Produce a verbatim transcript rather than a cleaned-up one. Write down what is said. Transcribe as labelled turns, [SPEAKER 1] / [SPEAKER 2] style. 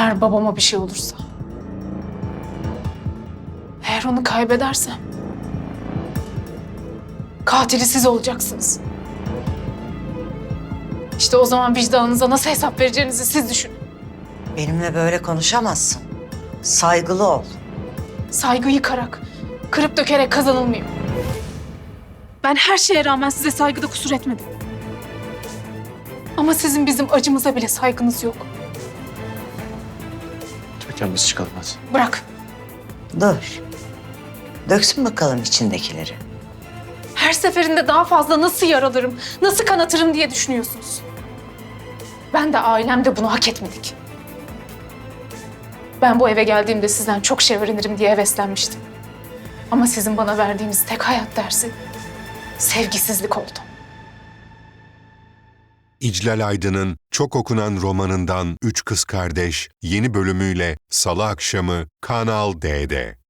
[SPEAKER 1] Eğer babama bir şey olursa, eğer onu kaybedersem, katili siz olacaksınız. İşte o zaman vicdanınıza nasıl hesap vereceğinizi siz düşünün.
[SPEAKER 2] Benimle böyle konuşamazsın. Saygılı ol.
[SPEAKER 1] Saygı yıkarak, kırıp dökerek kazanılmıyor. Ben her şeye rağmen size saygıda kusur etmedim. Ama sizin bizim acımıza bile saygınız yok.
[SPEAKER 3] Türkan biz çıkalım hadi.
[SPEAKER 1] Bırak.
[SPEAKER 2] Dur. Döksün bakalım içindekileri.
[SPEAKER 1] Her seferinde daha fazla nasıl yaralarım, nasıl kanatırım diye düşünüyorsunuz. Ben de ailem de bunu hak etmedik. Ben bu eve geldiğimde sizden çok şey öğrenirim diye heveslenmiştim. Ama sizin bana verdiğiniz tek hayat dersi sevgisizlik oldu.
[SPEAKER 4] İclal Aydın'ın çok okunan romanından Üç Kız Kardeş yeni bölümüyle Salı akşamı Kanal D'de.